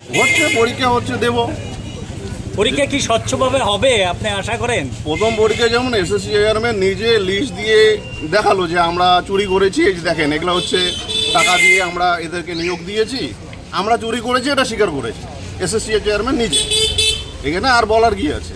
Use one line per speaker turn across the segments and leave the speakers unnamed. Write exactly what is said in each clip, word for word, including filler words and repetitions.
হচ্ছে পরীক্ষা হচ্ছে দেব।
পরীক্ষা কি স্বচ্ছভাবে হবে আপনি আশা করেন?
প্রথম পরীক্ষা যেমন এসএসসি চেয়ারম্যান নিজে লিস্ট দিয়ে দেখালো যে আমরা চুরি করেছি, এই যে দেখেন এগুলো হচ্ছে টাকা দিয়ে আমরা এদেরকে নিয়োগ দিয়েছি, আমরা চুরি করেছি এটা স্বীকার করেছি এসএসসি চেয়ারম্যান নিজে। এখানে আর বলার কি আছে?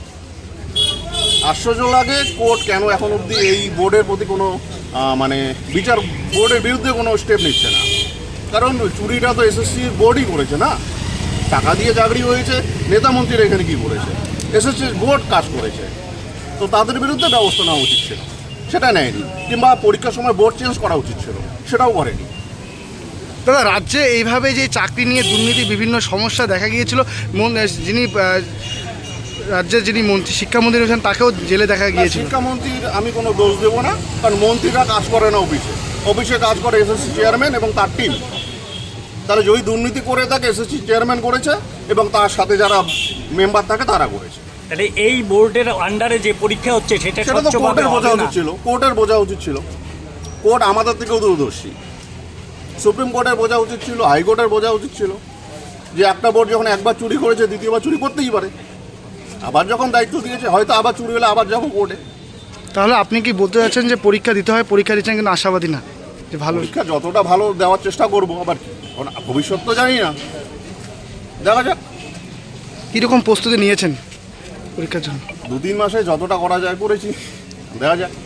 আশ্চর্য লাগে কোর্ট কেন এখন অবধি এই বোর্ডের প্রতি কোনো মানে বিচার বোর্ডের বিরুদ্ধে কোনো স্টেপ নিচ্ছে না। কারণ চুরিটা তো এসএসসির বোর্ডই করেছে না, টাকা দিয়ে চাকরি হয়েছে। নেতা মন্ত্রীরা এখানে কী করেছে? এসএসসির বোর্ড কাজ করেছে, তো তাদের বিরুদ্ধে ব্যবস্থা নেওয়া উচিত ছিল, সেটা নেয়নি। কিংবা পরীক্ষার সময় বোর্ড চেঞ্জ করা উচিত ছিল, সেটাও করেনি।
দাদা, রাজ্যে এইভাবে যে চাকরি নিয়ে দুর্নীতি বিভিন্ন সমস্যা দেখা গিয়েছিল, যিনি রাজ্যের যিনি মন্ত্রী শিক্ষামন্ত্রী রয়েছেন তাকেও জেলে দেখা গিয়েছিল।
শিক্ষামন্ত্রীর আমি কোনো দোষ দেবো না, কারণ মন্ত্রীরা কাজ করে না অফিসে, অফিসে কাজ করে এসএসসি চেয়ারম্যান এবং তার টিম। তারা যদি দুর্নীতি করে থাকে এসএসসি চেয়ারম্যান করেছে এবং তার সাথে যারা মেম্বার থাকে তারা করেছে।
তাহলে এই বোর্ডের আন্ডারে যে পরীক্ষা হচ্ছে সেটা
সেটা তো
স্বচ্ছভাবে
কোর্টের বোঝা
হবে
উচিত
না?
ছিল, কোর্টের বোঝা উচিত ছিল। কোর্ট আমাদের থেকেও দূরদর্শী, সুপ্রিম কোর্টের বোঝা উচিত ছিল, হাইকোর্টের বোঝা উচিত ছিল যে একটা বোর্ড যখন একবার চুরি করেছে দ্বিতীয়বার চুরি করতেই পারে। আবার যখন দায়িত্ব দিয়েছে হয়তো আবার চুরি হলে আবার যাবো কোর্টে।
তাহলে আপনি কি বলতে চাচ্ছেন যে পরীক্ষা দিতে হয়, পরীক্ষা দিচ্ছেন কিন্তু আশাবাদী না যে ভালো?
পরীক্ষা যতটা ভালো দেওয়ার চেষ্টা করবো, আবার কি ভবিষ্যৎ তো জানি না, দেখা যাক।
কীরকম প্রস্তুতি নিয়েছেন পরীক্ষার জন্য?
দু তিন মাসে যতটা করা যায় করেছি, দেখা যাক।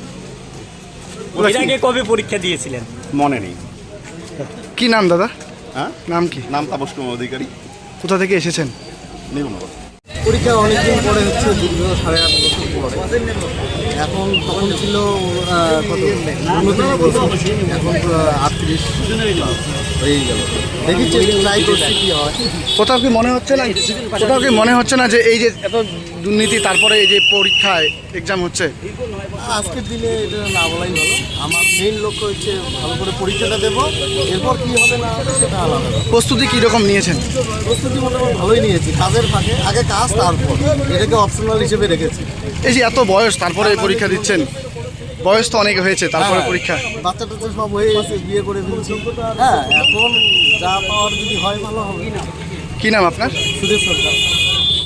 এর আগে কবে পরীক্ষা দিয়েছিলেন?
মনে নেই।
কি নাম দাদা?
হ্যাঁ,
নাম কি?
নাম তাপস কুমার অধিকারী।
কোথা থেকে এসেছেন?
নির্মল।
পরীক্ষা অনেকদিন পরে হচ্ছে, দীর্ঘ সাড়ে আট বছর পরে। এখন তখন ছিল কত উনত্রিশ বছর, এখন আটত্রিশ হয়ে গেল। দেখি ট্রাই করছি কি হয়।
কোথাও কি মনে হচ্ছে না কোথাও কি মনে হচ্ছে না যে এই যে এত দুর্নীতি তারপরে এই যে পরীক্ষায় এক্সাম হচ্ছে?
আজকের দিনে এটা না বলাই ভালো। আমার মেইন লক্ষ্য হচ্ছে ভালো করে পরীক্ষাটা দেবো, এরপর কী হবে না হবে সেটা আলাদা।
প্রস্তুতি কীরকম নিয়েছেন?
প্রস্তুতি মোটামুটি ভালোই নিয়েছি, কাজের ফাঁকে আগে কাজ তারপর এটাকে অপশনাল হিসেবে রেখেছি।
এই যে এত বয়স তারপরে পরীক্ষা দিচ্ছেন, বয়স তো অনেক হয়েছে তারপরে পরীক্ষা।
বাচ্চা টাচ্চা সব হয়ে গেছে, বিয়ে করে ফেলছি। হ্যাঁ, এখন যা পাওয়ার যদি হয় ভালো হবে।
কি নাম আপনার?
সুদেশ সরকার।